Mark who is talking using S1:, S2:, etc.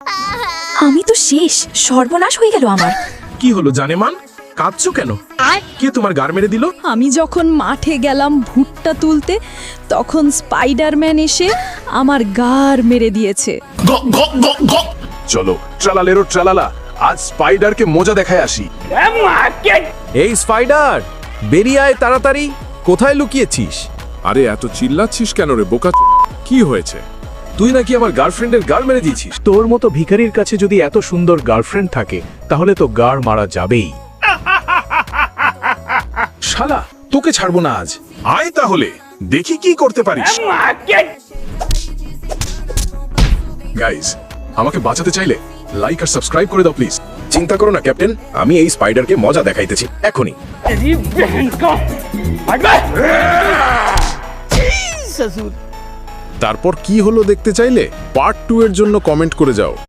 S1: আমি তো শেষ, সর্বনাশ হয়ে গেল আমার।
S2: কি হলো জানেমান, কাঁদছো কেন? কে তোমার গার মেরে দিল?
S3: আমি যখন মাঠে গেলাম ভুট্টা তুলতে, তখন স্পাইডারম্যান এসে আমার গার মেরে দিয়েছে।
S2: চলো ট্রালালেরো ট্রালালা, আজ স্পাইডারকে মজা দেখায় আসি।
S4: এই স্পাইডার, বেরিয়ে আয় তাড়াতাড়ি। কোথায় লুকিয়েছিস?
S2: আরে এত চিল্লাচ্ছিস কেন রে বোকা? কি হয়েছে? তুই নাকি আমার গার্লফ্রেন্ডের গার মেরে দিয়েছিস।
S5: তোর মতো ভিখারির কাছে যদি এত সুন্দর গার্লফ্রেন্ড থাকে তাহলে তো গার মারা যাবেই।
S2: শালা, তোকে ছাড়বো না আজ। আয় তাহলে দেখি কি করতে পারিস। গাইস, আমাকে বাঁচাতে চাইলে লাইক আর সাবস্ক্রাইব করে দাও প্লিজ। চিন্তা করো না ক্যাপ্টেন, আমি এই স্পাইডারকে মজা দেখাইতেছি এখনই।
S4: তারপর কি হলো দেখতে চাইলে পার্ট 2 এর জন্য কমেন্ট করে যাও।